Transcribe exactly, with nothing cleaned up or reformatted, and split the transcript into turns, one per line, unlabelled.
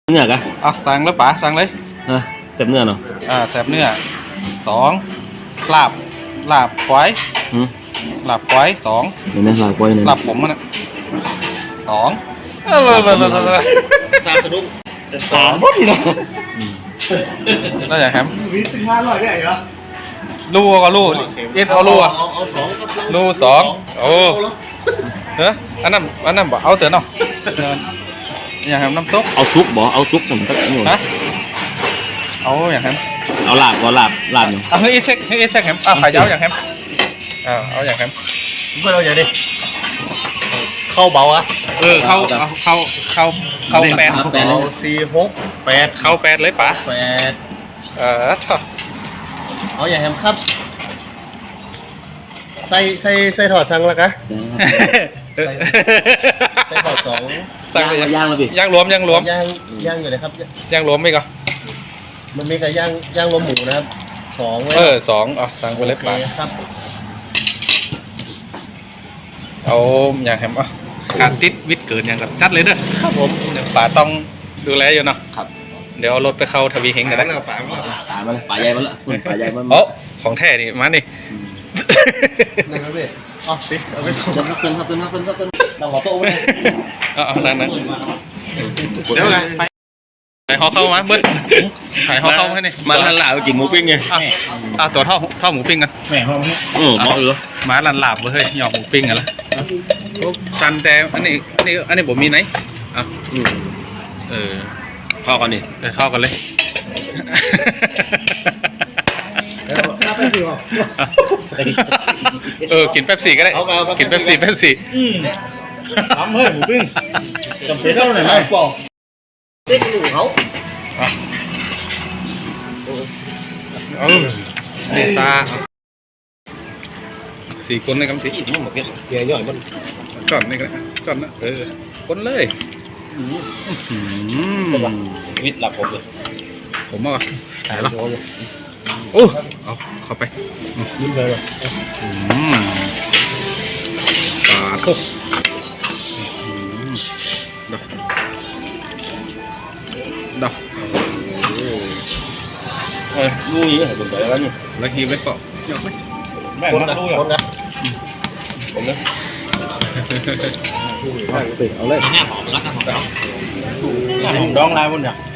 เนื้อกะ
เอาสั่งแล้วป๋าสั่งเลย
เออแซ่บเนื้อเนาะ
อ่าแซ่บเนื้อสองลาบลาบควายลาบควายสอง
เดี๋ยวนะลาบควายเนี่ย
ลาบผมมันนะสองเออเลยเลยเลยเลย
ซาสะดุ้งสามหมดเลย
แล้วอย่างแฮม
วิตึงห้าร้อยได้เหรอ
ลู่ก็ลู่เอสเอาลู่อ่ะ
เอาสอง
ลู่สองโอ้เฮ้ยอันนั้นอันนั้นบอกเอาเตือนเนาะอย่างแฮมน้ำซุป
เอาซุปบ่เอาซุปสำสักหน่อย
ฮะเอาอย่างแฮม
เอาลาบก็ลาบลาบอยู่
เอาให้เช็คให้เช็คแฮมอ่ะขายเย้าอย่างแฮมอ่าเอาอย่างแฮม
เพื่อนเราอย่างดิเข้าเบาอะ
เออเข้าเข้าเข้าเข้าแปด
เอาสี่หกแปด
เข้าแปดเลยป๋า
แปด
เออท่อ
เอาอย่างแฮมครับใส่ใส่ใส่ถอดซังแล้วกะใส่ถอดสอง
สั่ง
ย่างย่างแล้วพี่
ย่างรวมย่างรวม
ย่างย่างอยู่เลยครับ
ย่างรวมไหมก็
มันมีกับย่างย่างรวมหมูนะครับสอง
เออสองอ๋อสั่งไปเลยป๋า
ครับ
เอาอย่างแฮมอ่ะขาดติดวิทย์เกินอย่างกับจัดเลยเด้อ
ครับผม
เดี๋ยวป๋าต้องดูแลอยู่เนาะ
ครับ
เดี๋ยวเอารถไปเข้าทวีเฮงกันได้
ป๋า
ป๋ามาเลยป๋าใหญ่มาละป๋าใหญ่มา
โอ้ของแท้นี่มาดิ
นะครับพี่อ๋อสิเอาไปส่ง
ครับซึ่งครับซึ่งครับซึ่งครับซึ่งเราขอโต๊ะไว้
เอาเอานั่งนั่งเดี๋ยวไงไปถ่ายห่อเข้ามาเบิ้ลถ่ายห่อเข้าให้นี่
มาลันหลาบกินหมูปิ้งไง
อ่ะตัวเท่าเท่าหมูปิ้งกัน
แม่ห้องนี้
เออเหมาะอยู่
มาลันหลาบเฮ้ยหยอกหมูปิ้งกันละซันแต่อันนี้อันนี้อันนี้ผมมีไหนอ่ะเออ
ทอดกันดิ
เดี๋ยวทอดกันเลยเออกินเป๊ปซี่ก็ได้กินเป๊ปซี่เป๊ปซี่
ทำเฮ้ยหมูปิ้งจำเป็นเท่าไหร่ไหมปอกเต็กหนูเขา
เออเนซ่าสี่คนในกำสี
นี่หมดเกลี้ยเกลี้ยย่อยมัน
จอดนี่กันจอดนะเออคนเลย
วิทย์หลับผมเลย
ผมอ่ะถ่ายแล้วโอ้เอาเข้าไป
ยิ้มเลยว่ะ
ปลาทุกดอก
เออลูกนี้เห็นเป็นไปแล้วนี่
แล้วฮีไว้เกาะยอกไหม
แม่คนนะคนนะผมนะเอาเลย
หน้าหอมรักหน้าหอมหน้าหอมดองลายบนอย่าง